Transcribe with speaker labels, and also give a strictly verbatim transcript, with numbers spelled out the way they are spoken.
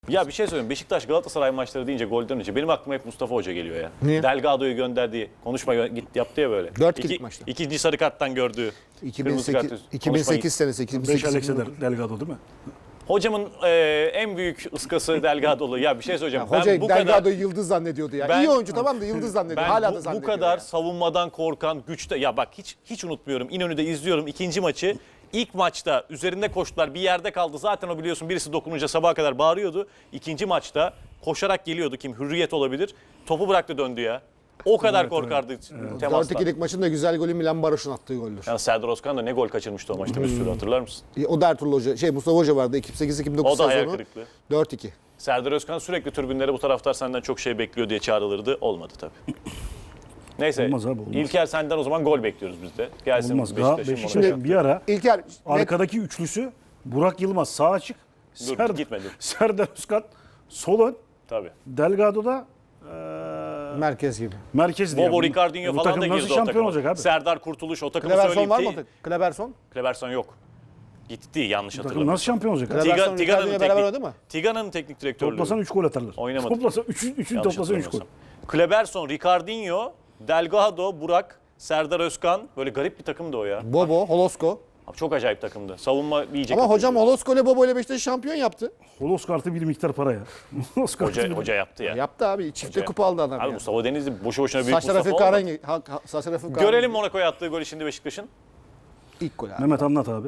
Speaker 1: Ya bir şey söyleyeyim. Beşiktaş Galatasaray maçları deyince golden önce benim aklıma hep Mustafa Hoca geliyor ya.
Speaker 2: Niye?
Speaker 1: Delgado'yu gönderdiği konuşma gö- git yaptı ya böyle.
Speaker 2: Dört
Speaker 1: İki-
Speaker 2: kilit maçta.
Speaker 1: İkinci sarı karttan gördüğü. kırmızı kart
Speaker 2: iki bin sekiz,
Speaker 1: üstü.
Speaker 2: iki bin sekiz senesi.
Speaker 3: beş
Speaker 2: 2008
Speaker 3: Alex'e Delgado değil mi?
Speaker 1: Hocamın e, en büyük ıskası Delgado'lu. Ya bir şey söyleyeceğim.
Speaker 2: Ya, hoca
Speaker 1: ben bu kadar
Speaker 2: Delgado'yu yıldız zannediyordu ya.
Speaker 1: Ben-
Speaker 2: İyi oyuncu tamam da yıldız zannediyor.
Speaker 1: ben
Speaker 2: Hala
Speaker 1: bu,
Speaker 2: da
Speaker 1: bu
Speaker 2: zannediyor.
Speaker 1: kadar
Speaker 2: ya.
Speaker 1: savunmadan korkan, güçte ya bak hiç hiç unutmuyorum. İnönü'de izliyorum ikinci maçı. İlk maçta üzerinde koştular. Bir yerde kaldı. Zaten o biliyorsun birisi dokununca sabaha kadar bağırıyordu. İkinci maçta koşarak geliyordu kim? Hürriyet olabilir. Topu bıraktı döndü ya. O kadar korkardı
Speaker 2: dört
Speaker 1: temastan.
Speaker 2: ikilik maçın da güzel golü Milan Baroş'un attığı goldür.
Speaker 1: Yani Serdar Özkan da ne gol kaçırmıştı o maçta bir sürü hatırlar mısın?
Speaker 2: O da Ertuğrul Hoca, şey Mustafa Hoca vardı iki bin sekiz iki bin dokuz
Speaker 1: O da hayal
Speaker 2: sezonu.
Speaker 1: kırıklığı.
Speaker 2: dört iki.
Speaker 1: Serdar Özkan sürekli tribünlere bu taraftar senden çok şey bekliyor diye çağrılırdı. Olmadı tabii. Neyse.
Speaker 3: Olmaz abi, olmaz.
Speaker 1: İlker senden o zaman gol bekliyoruz biz de. Gelsin
Speaker 3: Olmaz. Daha
Speaker 1: Beşiktaş'ın
Speaker 3: Beşiktaş'ın
Speaker 1: mola.
Speaker 3: bir ara
Speaker 2: İlker net,
Speaker 3: arkadaki üçlüsü Burak Yılmaz sağ açık.
Speaker 1: Dur,
Speaker 3: Serdar,
Speaker 1: gitmedi.
Speaker 3: Serdar Özkan sol ön.
Speaker 1: Tabii.
Speaker 3: Delgado'da eee
Speaker 2: merkez gibi.
Speaker 3: merkez diye.
Speaker 1: Bobo
Speaker 3: Bu-
Speaker 1: Ricardinho
Speaker 3: bu
Speaker 1: falan
Speaker 3: takım
Speaker 1: da
Speaker 3: nasıl
Speaker 1: girdi o
Speaker 3: şampiyon
Speaker 1: takıma.
Speaker 3: olacak abi?
Speaker 1: Serdar Kurtuluş o takımı
Speaker 2: Kleberson
Speaker 1: söyleyeyim.
Speaker 2: var mı?
Speaker 1: Te-
Speaker 2: ortada? Kleberson?
Speaker 1: Kleberson yok. Gitti yanlış
Speaker 3: Bu takım
Speaker 1: hatırlamıyorum.
Speaker 3: nasıl şampiyon olacak? abi?
Speaker 2: Kleberson,
Speaker 1: Tiga, Tiga'nın
Speaker 2: Ricardinho'yla beraber oynadı
Speaker 1: teknik,
Speaker 2: mı?
Speaker 1: Tiga'nın teknik direktörlüğü.
Speaker 3: Toplasan üç gol atarlar.
Speaker 1: Oynamadı.
Speaker 3: Toplasan üçün üçün
Speaker 1: Yanlış
Speaker 3: toplasan üç gol.
Speaker 1: hatırlamıyorsam. Kleberson, Ricardinho, Delgado, Burak, Serdar Özkan. Böyle garip bir takımdı o ya.
Speaker 2: Bobo, Holosko.
Speaker 1: Abi çok acayip takımdı. Savunma iyice
Speaker 2: Ama
Speaker 1: kötüydü.
Speaker 2: hocam Holosko ile Bobo ile Beşiktaş'ı şampiyon yaptı.
Speaker 3: Holos kartı bir miktar para ya. Holos kartı
Speaker 1: Hoca,
Speaker 3: bir-
Speaker 1: hoca yaptı ya.
Speaker 2: Yaptı abi. Çifte
Speaker 1: Hoca
Speaker 2: kupa aldı adam
Speaker 1: Abi
Speaker 2: ya.
Speaker 1: Mustafa Denizli boşu boşuna büyük
Speaker 2: Saçlar
Speaker 1: Mustafa
Speaker 2: hafif
Speaker 1: olmadı.
Speaker 2: kahrengi. Ha- ha- Saçlar hafif kahrengi.
Speaker 1: Görelim Monaco'ya attığı golü şimdi Beşiktaş'ın.
Speaker 2: İlk gol abi.
Speaker 3: Mehmet anlat abi.